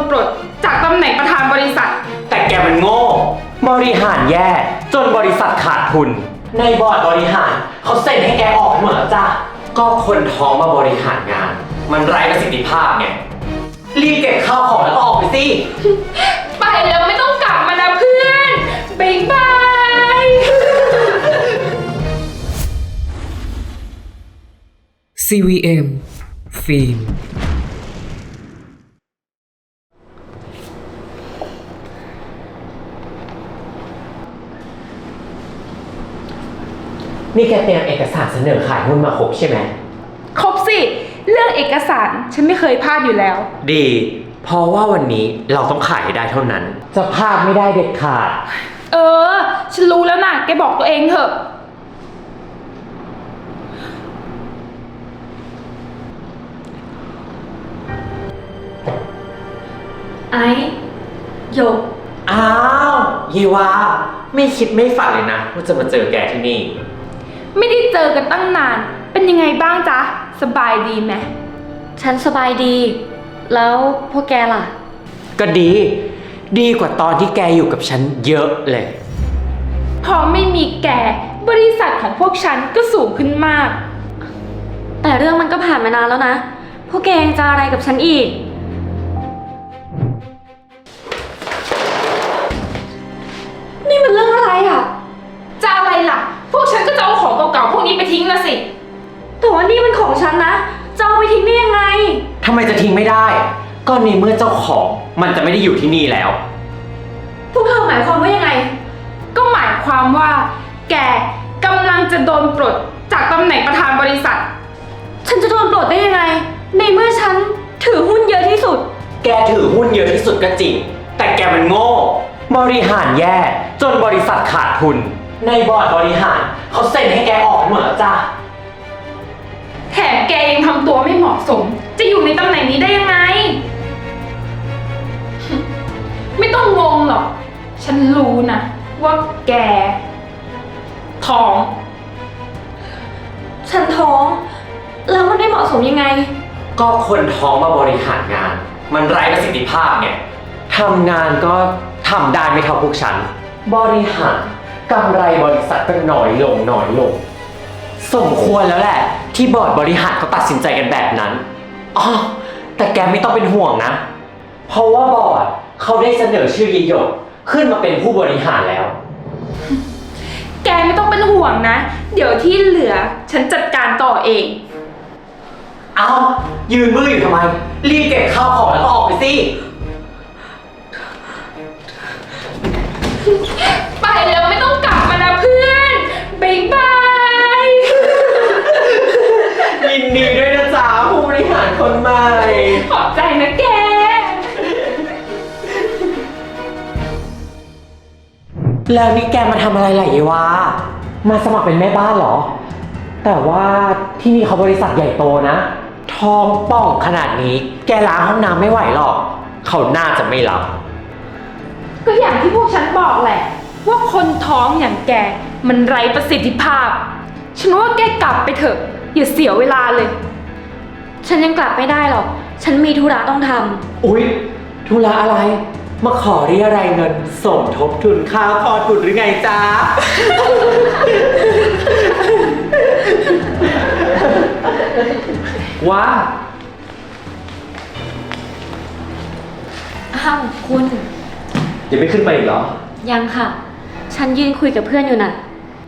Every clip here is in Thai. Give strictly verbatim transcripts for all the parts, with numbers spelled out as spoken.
ปลดจากตำแหน่งประธานบริษัทแต่แกมันโง่บริหารแย่จนบริษัทขาดทุนในบอร์ดบริหารเขาเซ็นให้แกออกหมดแล้วจ้ะก็คนท้องมาบริหารงาน มันไร้ประสิทธิภาพไงรีบเก็บข้าวของแล้วก็ออกไปสิไปแล้วไม่ต้องกลับมานะเพื่อนบ๊ายบายซี วี เอ็ม ฟิล์มนี่แกเตรียมเอกสารเสนอขายหุ้นมาครบใช่ไหมครบสิเรื่องเอกสารฉันไม่เคยพลาดอยู่แล้วดีเพราะว่าวันนี้เราต้องขายให้ได้เท่านั้นจะพลาดไม่ได้เด็ดขาดเออฉันรู้แล้วนะแกบอกตัวเองเถอะไอ้หยกอ้าวเยวาไม่คิดไม่ฝันเลยนะว่าจะมาเจอแกที่นี่ไม่ได้เจอกันตั้งนานเป็นยังไงบ้างจ๊ะสบายดีไหมฉันสบายดีแล้วพวกแกล่ะก็ดีดีกว่าตอนที่แกอยู่กับฉันเยอะเลยพอไม่มีแกบริษัทของพวกฉันก็สูงขึ้นมากแต่เรื่องมันก็ผ่านมานานแล้วนะพวกแกยังจะอะไรกับฉันอีกนี่มันเรื่องอะไรอ่ะจะอะไรล่ะพวกฉันก็จะเอาของเก่าๆพวกนี้ไปทิ้งละสิแต่ว่านี่มันของฉันนะจะเอาไปทิ้งได้ยังไงทำไมจะทิ้งไม่ได้ก็ในเมื่อเจ้าของมันจะไม่ได้อยู่ที่นี่แล้วพวกเธอหมายความว่ายังไงก็หมายความว่าแกกำลังจะโดนปลดจากตำแหน่งประธานบริษัทฉันจะโดนปลดได้ยังไงในเมื่อฉันถือหุ้นเยอะที่สุดแกถือหุ้นเยอะที่สุดก็จริงแต่แกมันโง่บริหารแย่จนบริษัทขาดทุนในบอร์ดบริหารเขาเซ็นให้แกออกหมดแล้วจ้ะแถมแกยังทำตัวไม่เหมาะสมจะอยู่ในตำแหน่งนี้ได้ยังไงไม่ต้องงงหรอกฉันรู้นะว่าแกท้องฉันท้องแล้วมันไม่เหมาะสมยังไงก็คนท้องมาบริหารงานมันไร้ประสิทธิภาพไงทำงานก็ทำได้ไม่เท่าพวกฉันบริหารกำไรบริษัทก็น้อยลงน้อยลงสมควรแล้วแหละที่บอร์ดบริหารเขาตัดสินใจกันแบบนั้นอ๋อแต่แกไม่ต้องเป็นห่วงนะเพราะว่าบอร์ดเขาได้เสนอชื่อยิโยกขึ้นมาเป็นผู้บริหารแล้วแกไม่ต้องเป็นห่วงนะเดี๋ยวที่เหลือฉันจัดการต่อเองเอายืนมืออยู่ทำไมรีบเก็บข้าวของแล้วก็ออกไปสิไปแล้วไม่ต้องกลับมานะเพื่อนบ๊ายบายยินดีด้วยนะจ๊ะผู้บริหารคนใหม่ขอบใจนะแกแล้วนี่แกมาทำอะไรล่ะเยวามาสมัครเป็นแม่บ้านเหรอแต่ว่าที่นี่เขาบริษัทใหญ่โตนะทองป่องขนาดนี้แกล้างห้องน้ำไม่ไหวหรอกเขาน่าจะไม่รับก็อย่างที่พวกฉันบอกแหละว่าคนท้องอย่างแกมันไร้ประสิทธิภาพฉันว่าแกกลับไปเถอะอย่าเสียเวลาเลยฉันยังกลับไม่ได้หรอกฉันมีธุระต้องทำอุ๊ยธุระอะไรมาขอเรียรายเงินสมทบทุนค่าคลอดบุตรหรือไงจ๊ะ ว้าอ้าวคุณยังไม่ขึ้นไปอีกเหรอยังค่ะฉันยืนคุยกับเพื่อนอยู่น่ะ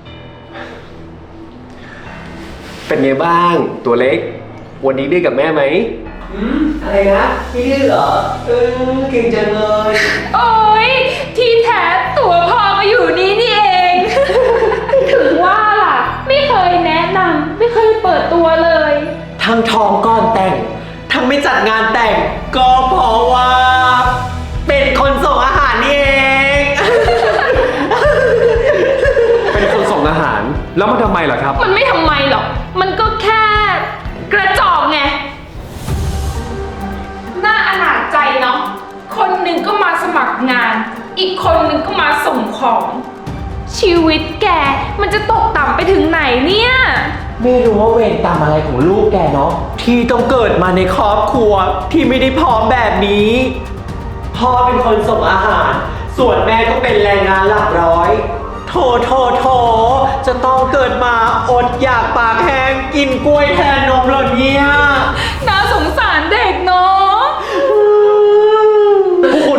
เป็นไงบ้างตัวเล็กวันนี้ดื้อกับแม่ไหมอืมอะไรนะไม่ดื้อเหรอเออเก่งจังเลยโอ๊ยที่แท้ตัวพ่อก็อยู่นี่นี่เอง ถึงว่าล่ะไม่เคยแนะนำไม่เคยเปิดตัวเลยทั้งทองก่อนแต่งทั้งไม่จัดงานแต่งก็เพราะว่าเป็นคนส่งอาหารนี่เองเป็นคนส่งอาหารแล้วมันทำไมล่ะครับมันไม่ทำไมหรอกมันก็แค่กระจอกไงน่าอนาจใจเนาะคนหนึ่งก็มาสมัครงานอีกคนหนึ่งก็มาส่งของชีวิตแกมันจะตกต่ำไปถึงไหนเนี่ยไม่รู้ว่าเวรกรรมอะไรของลูกแกเนาะที่ต้องเกิดมาในครอบครัวที่ไม่ได้พร้อมแบบนี้พ่อเป็นคนส่งอาหาร ส่วนแม่ก็เป็นแรงงานหลักร้อย โถโถโถจะต้องเกิดมาอดอยากปากแห้งกินกล้วยแทนนมเหรอเนี่ยน่าสงสารเด็กเนาะพวกคุณ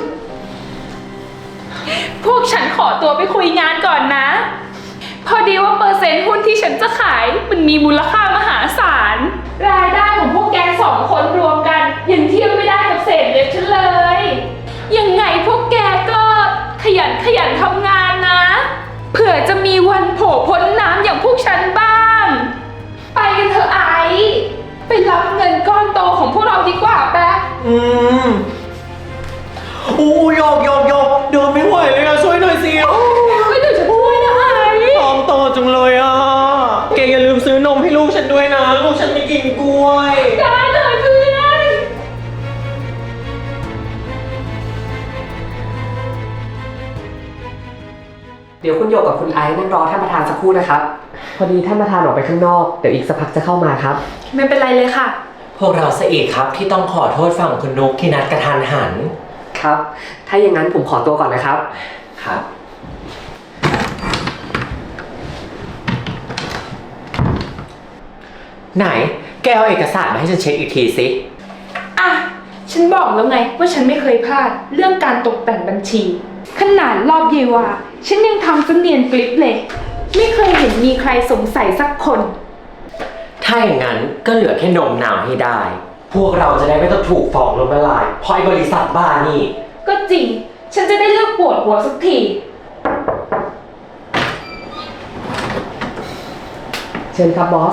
พวกฉันขอตัวไปคุยงานก่อนนะ พอดีว่าเปอร์เซ็นต์หุ้นที่ฉันจะขายมันมีมูลค่ามหาศาล รายได้ของพวกแกสองคนรวมกันยังเทียบไม่ได้กับเศษเล็บฉันเลย ยังไงพวกแกก็ขยันขยันทำงานนะ เผื่อจะมีวันโผล่พ้นน้ำอย่างพวกฉันบ้าง ไปกันเถอะไอซ์ไปรับเงินก้อนโตของพวกเราดีกว่าแป๊ะอืมอู้โยกโยกโยกเดินไม่ไหวเลยอะช่วยหน่อยสิโอ้ไม่เดี๋ยวฉันช่วยนะไอซ์ท้องโตจังเลยอ่ะแกอย่าลืมซื้อนมให้ลูกฉันด้วยนะ ลูกฉันไม่กินกล้วยได้เลยเพื่อนเดี๋ยวคุณโยกกับคุณไอซ์นั่งรอท่านประธานสักครู่นะครับ พอดีท่านประธานออกไปข้างนอก เดี๋ยวอีกสักพักจะเข้ามาครับไม่เป็นไรเลยค่ะพวกเราเสียอีกครับที่ต้องขอโทษฝั่งคุณนุกที่นัดกระทันหันครับ ถ้าอย่างนั้นผมขอตัวก่อนนะครับครับ ไหน แกเอาเอกสารมาให้ฉันเช็คอีกทีสิอ่ะ ฉันบอกแล้วไงว่าฉันไม่เคยพลาดเรื่องการตกแต่งบัญชี ขนาดรอบเยวาฉันยังทำเสเนียนกลิปเลย ไม่เคยเห็นมีใครสงสัยสักคนถ้าอย่างนั้นก็เหลือแค่นมหนาวให้ได้ พวกเราจะได้ไม่ต้องถูกฟ้องล้มละลายเพราะไอ้บริษัทบ้านี่ก็จริง ฉันจะได้เลิกปวดหัวสักทีเชิญครับบอส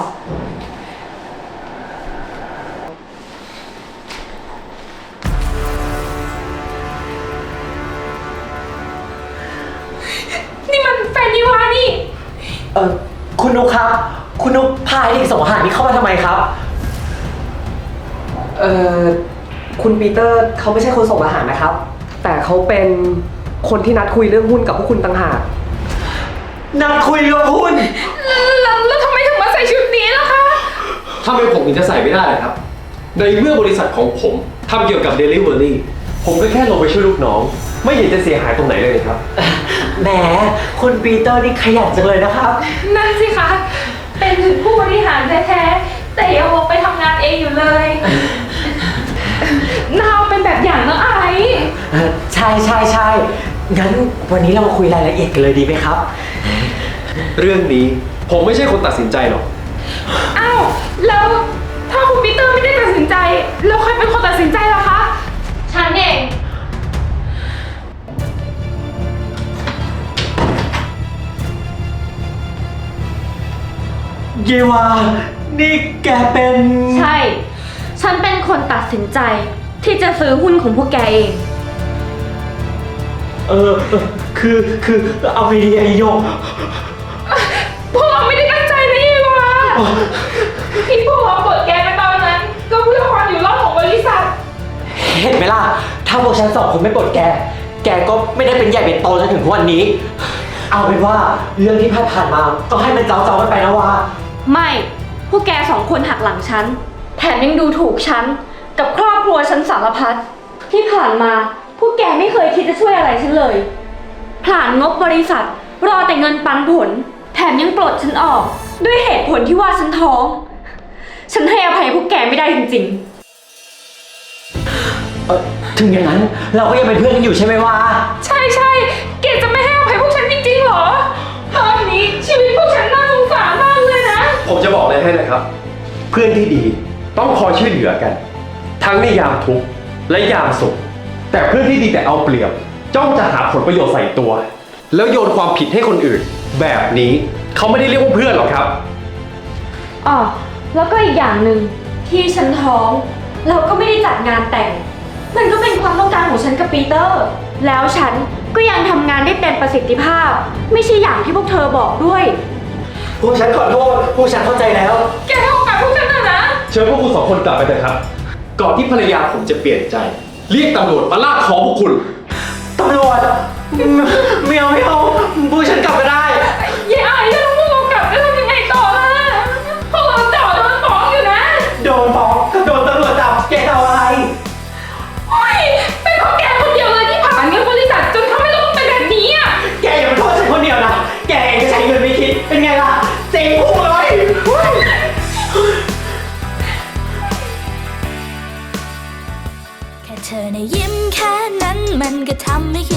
นี่มันแฟนยวานี่เออคุณนุกครับ คุณนุกพาเด็กส่งอาหารนี้เข้ามาทำไมครับเอ่อ คุณปีเตอร์เขาไม่ใช่คนส่งอาหารนะครับ แต่เขาเป็นคนที่นัดคุยเรื่องหุ้นกับพวกคุณต่างหากนัดคุยกับคุณแล้วแล้วทำไมถึงมาใส่ชุดนี้ล่ะคะทำไมผมถึงจะใส่ไม่ได้ล่ะครับ ในเมื่อบริษัทของผมทำเกี่ยวกับ Delivery ผมก็แค่ลงไปช่วยลูกน้อง ไม่เห็นจะเสียหายตรงไหนเลยครับแหม คุณปีเตอร์นี่ขยันจังเลยนะครับนั่นสิคะ เป็นถึงผู้บริหารแท้ๆ แต่ยังออกไปทำงานเองอยู่เลยนาวเป็นแบบอย่างนะไอซ์เอ่อใช่ใช่ใช่งั้นวันนี้เรามาคุยรายละเอียดกันเลยดีไหมครับเรื่องนี้ผมไม่ใช่คนตัดสินใจหรอกอ้าว แล้วถ้าคุณปีเตอร์ไม่ได้ตัดสินใจ แล้วใครเป็นคนตัดสินใจล่ะคะ ฉันเองเยวา นี่แกเป็นใช่ ฉันเป็นคนตัดสินใจ ที่จะซื้อหุ้นของพวกแกเองเออเออคือคือเอาไอเดียไอโยกพวกเราไม่ได้ตั้งใจนะเยวาที่พวกเราเปิดแกไปตอนนั้น ก็เพื่อความอยู่รอดของบริษัทเห็นไหมล่ะ ถ้าพวกฉันสองคนไม่ปลดแก แกก็ไม่ได้เป็นใหญ่เป็นโตจนถึงทุกวันนี้ เอาเป็นว่าเรื่องที่ผ่านๆมา ก็ให้มันเจ้าๆกันไปนะวาไม่ พวกแกสองคนหักหลังฉัน แถมยังดูถูกฉัน กับครอบครัวฉันสารพัด ที่ผ่านมา พวกแกไม่เคยคิดจะช่วยอะไรฉันเลยผลาญงบบริษัท รอแต่เงินปันผล แถมยังปลดฉันออก ด้วยเหตุผลที่ว่าฉันท้อง ฉันให้อภัยพวกแกไม่ได้จริงๆเออถึงอย่างนั้นเราก็ยังเป็นเพื่อนกันอยู่ใช่ไหมวะใช่ใช่เกดจะไม่ให้อภัยพวกฉันจริงๆเหรอ ตอนนี้ชีวิตพวกฉันน่าสงสารมากเลยนะผมจะบอกเลยให้นะครับ เพื่อนที่ดีต้องคอยช่วยเหลือกัน ทั้งในยามทุกข์และยามสุข แต่เพื่อนที่ดีแต่เอาเปรียบจ้องจะหาผลประโยชน์ใส่ตัว แล้วโยนความผิดให้คนอื่น แบบนี้เขาไม่ได้เรียกว่าเพื่อนหรอกครับอ๋อ แล้วก็อีกอย่างหนึ่งที่ฉันท้อง เราก็ไม่ได้จัดงานแต่ง มันก็เป็นความต้องการของฉันกับปีเตอร์ แล้วฉันก็ยังทำงานได้เต็มประสิทธิภาพ ไม่ใช่อย่างที่พวกเธอบอกด้วยพวกฉันขอโทษ พวกฉันเข้าใจแล้วแกให้โอกาสพวกฉันเถอะนะเชิญพวกคุณสองคนกลับไปเถอะครับ ก่อนที่ภรรยาผมจะเปลี่ยนใจ เรียกตำรวจมาลากคอพวกคุณตำรวจไม่เอาไม่เอาพวกฉันกลับมาได้ยายไอ้ถ้าพวกเรากลับจะทำยังไงต่อล่ะ พวกเราจ่อโดนฟ้องอยู่นะโดนฟ้องก็โดนตำรวจจับแกเอาอะไรโอ้ยเป็นเพราะแกพนะยิ้มแค่นั้นมันก็ทำให้คิด